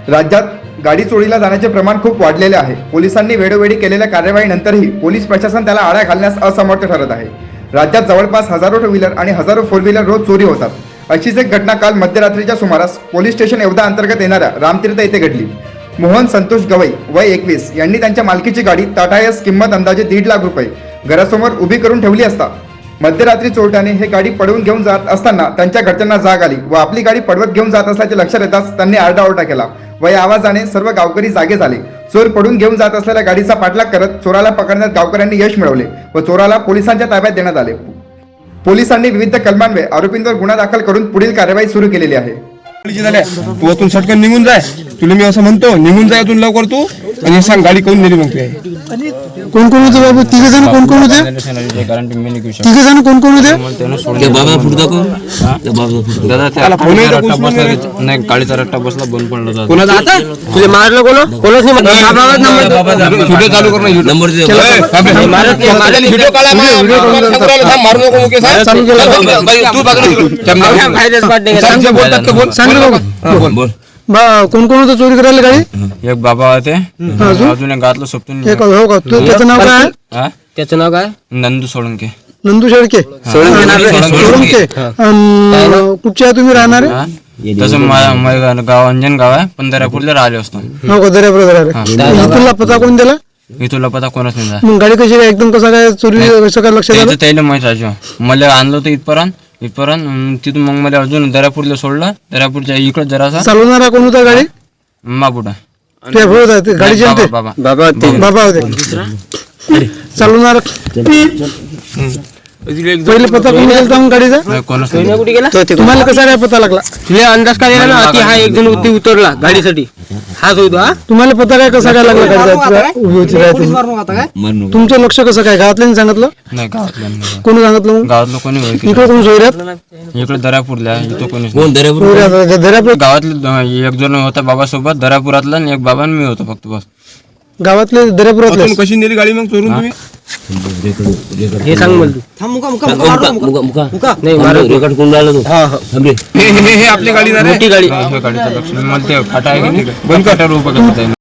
राज्यात गाडी चोरीला जाण्याचे प्रमाण खूप वाढलेले आहे. पोलिसांनी वेळोवेळी केलेल्या कार्यवाहीनंतरही पोलीस प्रशासन त्याला आळा घालण्यास असमर्थ ठरत आहे. राज्यात जवळपास हजारो टू व्हीलर आणि हजारो फोर व्हीलर रोज चोरी होतात. अशीच एक घटना काल मध्यरात्रीच्या सुमारास पोलीस स्टेशन येवदा अंतर्गत येणाऱ्या रामतीर्थ येथे घडली. मोहन संतोष गवई वय 21 यांनी त्यांच्या मालकीची गाडी टाटायस किंमत अंदाजे 1.5 लाख रुपये घरासमोर उभी करून ठेवली असता मध्यरात्री चोरट्याने हे गाडी पळवून घेऊन जात असताना त्यांच्या घरच्यांना जाग आली व आपली गाडी पळवत घेऊन जात असल्याचे लक्षात येताच त्यांनी आरडाओरडा केला व या आवाजाने सर्व गावकरी जागे झाले. चोर पळून घेऊन जात असलेल्या गाडीचा पाठलाग करत चोराला पकडण्यात गावकऱ्यांनी यश मिळवले व चोराला पोलिसांच्या ताब्यात देण्यात आले. पोलिसांनी विविध कलमांवर आरोपींवर गुन्हा दाखल करून पुढील कार्यवाही सुरू केलेली आहे. तू अतून सटकन निघून जाय. तुला मी असं म्हणतो, निघून जाय अतून लवकर तू. आणि सांग गाडी कोण नेली मग ते कोण कोण होते बाबू? तिघे जण कोण कोण होते? तिघे जण कोण कोण होते? नाही, गाडीचा रट्टा बसला, बंद पडला. कोणाचा आता तुझे मारलं कोणच नाही व्हिडिओ चालू कर ना. नंबर व्हिडिओ काढा. मारू नको मुकेश. तू बोल. कोण कोण होतं चोरी करायला गाडी? एक बाबा होते, अजून एक घातलं सोपतून. हो का? त्याचं नाव काय? त्याचं नाव काय? नंदू सोळंके. नंदू शेळके. सोळंके. कुठचे आहे तुम्ही राहणारे? तसं माझं गाव अंजन गाव आहे, पण दर्यापूरला राहिले असतो. हो का? दर्यापूर. तुला पता कोण दिला? मी तुला पता कोणच नाही. मग गाडी कशी काय एकदम कसं काय चोरी कसं काय लक्षात आलं? त्याला माहित राजू. मला आणलं होतं इथपर्यंत तिथून मग मला अजून दर्यापूरला सोडलं. दर्यापूरच्या इकडे जरासा चालवणारा कोण होता गाडी? मापुटा गाडी जमते बाबा होते चालवणार. पहिले पता कोण गेला मग गाडीचा? कोणच तुम्हाला कसा काय पता लागला? तुला अंदाज काय दिला ना की हा एक जण उतरला गाडीसाठी? हाच होतो. हा तुम्हाला पता काय कसा काय लागला गाडीचा? उभी होती राहते. तुमचं लक्ष कसं काय? गावातल्यानी सांगितलं? नाही, गावातल्या कोणी सांगितलं? मग गावातलं कोणी इकडे कोण सोयऱ्यात? इकडे दर्यापूरला इथं कोणी दर्यापूर गावातले एक जण होता बाबा सोबत दर्यापुरातला आणि एक बाबा आणि मी होतो फक्त. बस गावातले दर्यापुरातले. कशी नेली गाडी मग चोरून तुम्ही? हे सांग मला हे आपली गाडी ना रे? मोठी गाडी. गाडीचं लक्ष मला ते फाटा आहे की नाही, बंद कटावर उभं करता येईल.